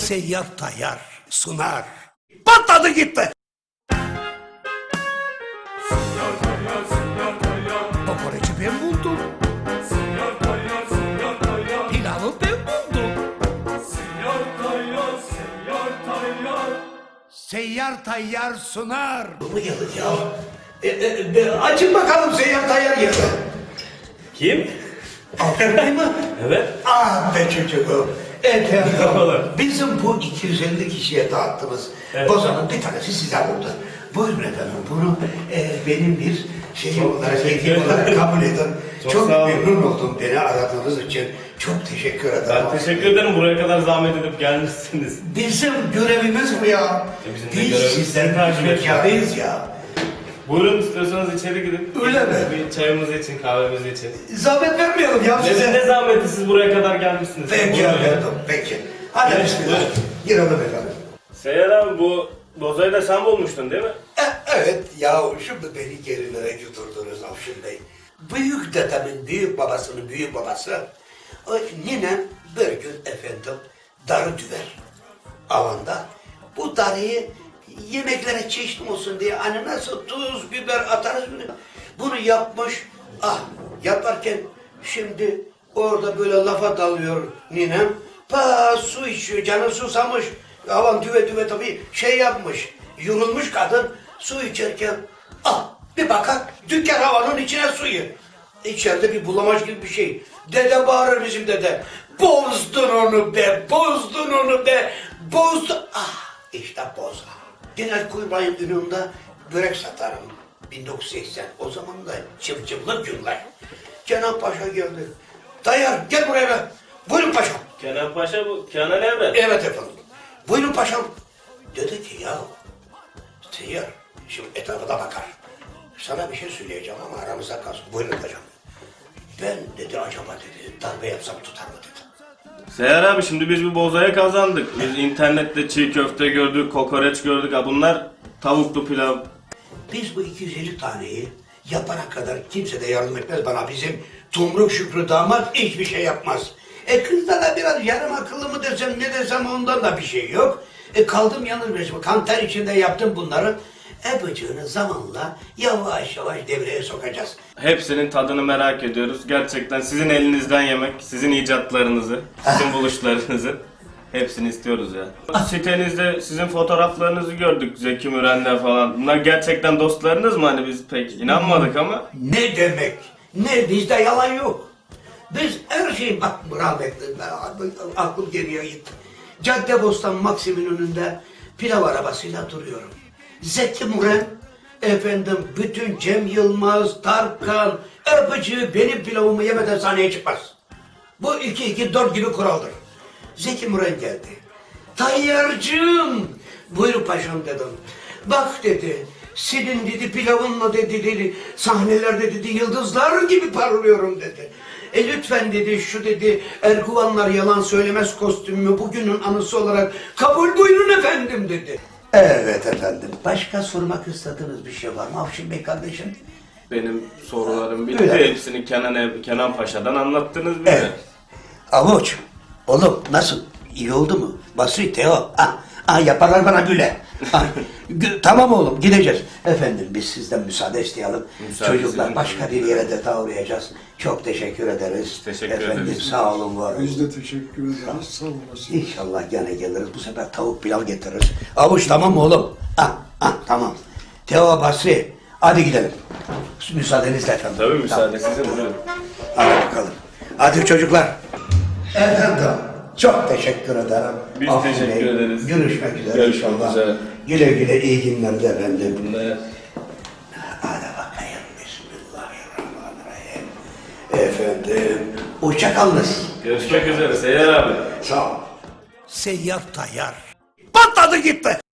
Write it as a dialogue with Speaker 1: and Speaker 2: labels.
Speaker 1: Seyyar Tayyar sunar. Patladı gitti. Kokoreçi ben buldum. Pilavı ben buldum. Seyyar Tayyar sunar.
Speaker 2: Bu yıllık ya. Açın bakalım Seyyar Tayyar geldi.
Speaker 3: Kim?
Speaker 2: Aferin mi?
Speaker 3: Evet.
Speaker 2: Ah be çocuğum. Efendim,
Speaker 3: Olur.
Speaker 2: bizim bu 250 kişiye dağıttığımız bozanın bir tanesi size oldu. Buyurun efendim, bunu benim bir şeyim
Speaker 3: Çok
Speaker 2: olarak,
Speaker 3: teşekkür
Speaker 2: hediyem
Speaker 3: ederim.
Speaker 2: olarak kabul edin.
Speaker 3: Çok
Speaker 2: Çok
Speaker 3: sağ olun.
Speaker 2: memnun oldum beni aradığınız için. Çok teşekkür ederim.
Speaker 3: Ben teşekkür ederim. Buraya kadar zahmet edip gelmişsiniz.
Speaker 2: Bizim görevimiz bu ya.
Speaker 3: Bizim de
Speaker 2: Biz
Speaker 3: görevimiz
Speaker 2: sizden
Speaker 3: takip etmek.
Speaker 2: hizmetkarıyız ya.
Speaker 3: Buyurun, istiyorsanız içeri gidin.
Speaker 2: Öyle mi?
Speaker 3: Bir çayımızı için, kahvemizi için.
Speaker 2: Zahmet vermeyelim ya size.
Speaker 3: Ne zahmeti, siz buraya kadar gelmişsiniz.
Speaker 2: Peki
Speaker 3: Buyurun.
Speaker 2: efendim, peki. Hadi
Speaker 3: Evet,
Speaker 2: bismillah.
Speaker 3: buyurun.
Speaker 2: Girelim efendim.
Speaker 3: Seyyar abi, bu bozayı da sen bulmuştun değil mi?
Speaker 2: Evet ya, şimdi beni gerilere götürdünüz Afşin Bey. Büyük dedemin büyük babasının büyük babası o ninem bir gün efendim darı düver avanda. Bu darıyı yemeklere çeşit olsun diye hani nasıl tuz, biber atarız bunu yapmış. Ah, yaparken şimdi orada böyle lafa dalıyor ninem. Su içiyor, canı susamış. Havan düve düve tabii şey yapmış. Yorulmuş kadın su içerken bir bakar dükkan havanın içine suyu. İçeride bir bulamaç gibi bir şey. Dede bağırır bizim dede. Bozdun onu be, bozdun onu be, bozdun. İşte boza. Genel Kuyubay'ın önünde börek satarım. 1980. O zaman da cıvcıvlı günler. Kenan Paşa geldi. Tayyar gel buraya be. Buyurun paşam.
Speaker 3: Kenan Paşa bu, Kenan Evren.
Speaker 2: Evet efendim. Buyurun paşam. Dedi ki ya Seyyar şimdi etrafa da bakar. Sana bir şey söyleyeceğim ama aramızda kalsın. Buyurun paşam. Ben dedi acaba dedi darbe yapsam tutar mı dedi.
Speaker 3: Seyyar abi, şimdi biz bu bozaya kazandık. Biz internette çiğ köfte gördük, kokoreç gördük. Ha, bunlar tavuklu pilav.
Speaker 2: Biz bu 250 taneyi yapana kadar kimse de yardım etmez bana. Bizim Tumruk Şükrü damat hiçbir şey yapmaz. Kızda da biraz yarım akıllı mı desem ne desem ondan da bir şey yok. Kaldım yalnız başıma. Kan ter içinde yaptım bunları. Bıcığını zamanla yavaş yavaş devreye sokacağız.
Speaker 3: Hepsinin tadını merak ediyoruz. Gerçekten sizin elinizden yemek, sizin icatlarınızı, sizin buluşlarınızı hepsini istiyoruz ya. Sitenizde sizin fotoğraflarınızı gördük, Zeki Müren'le falan. Bunlar gerçekten dostlarınız mı? Hani biz pek inanmadık ama.
Speaker 2: Ne demek? Ne bizde yalan yok. Biz her şeyi bak rahmetli aklım geriye gitti. Caddebostan Maksim'in önünde pilav arabasıyla duruyorum. Zeki Müren, efendim bütün Cem Yılmaz, Tarkan, Erpıcı benim pilavımı yemeden sahneye çıkmaz. Bu 2-2-4 gibi kuraldır. Zeki Müren geldi. Tayyarcığım, buyur paşam dedim. Bak dedi, senin dedi pilavınla dedi sahnelerde dedi yıldızlar gibi parlıyorum dedi. Lütfen dedi şu dedi Erguvanlar yalan söylemez kostümümü bugünün anısı olarak kabul buyurun efendim dedi. Evet efendim. Başka sormak istediğiniz bir şey var mı Afşin Bey kardeşim?
Speaker 3: Benim sorularım bitti.
Speaker 2: Öyle.
Speaker 3: Hepsini Kenan Paşa'dan anlattınız bize.
Speaker 2: Evet. Avuç, oğlum nasıl? İyi oldu mu? Basri, Teo. Yaparlar bana güle. Tamam oğlum gideceğiz. Efendim biz sizden müsaade isteyelim.
Speaker 3: Müsaade
Speaker 2: Çocuklar
Speaker 3: sizin.
Speaker 2: başka bir yere de uğrayacağız. Çok teşekkür ederiz.
Speaker 3: Teşekkür
Speaker 2: Efendim
Speaker 3: ederiz.
Speaker 2: sağ olun var olun.
Speaker 4: Biz de teşekkür ederiz. Sağ olasın.
Speaker 2: İnşallah gene geliriz. Bu sefer tavuk pilav getiririz. Avuç tamam mı oğlum? Tamam. Teo, Basri hadi gidelim. Müsaadenizle efendim.
Speaker 3: Tabii müsaade sizin. Buyurun.
Speaker 2: Hadi bakalım. Hadi çocuklar. Efendim çok teşekkür ederim.
Speaker 3: Biz
Speaker 2: Afşin
Speaker 3: teşekkür
Speaker 2: Bey,
Speaker 3: ederiz.
Speaker 2: Görüşmek üzere
Speaker 3: Görüşmek
Speaker 2: inşallah.
Speaker 3: üzere.
Speaker 2: Güle güle iyi günler de efendim.
Speaker 3: Bunlar...
Speaker 2: Hadi bakayım. Bismillahirrahmanirrahim. Efendim hoşçakalınız.
Speaker 3: Görüşmek üzere Seyyar abi.
Speaker 2: Sağ ol.
Speaker 1: Seyyar Tayyar. Patladı gitti.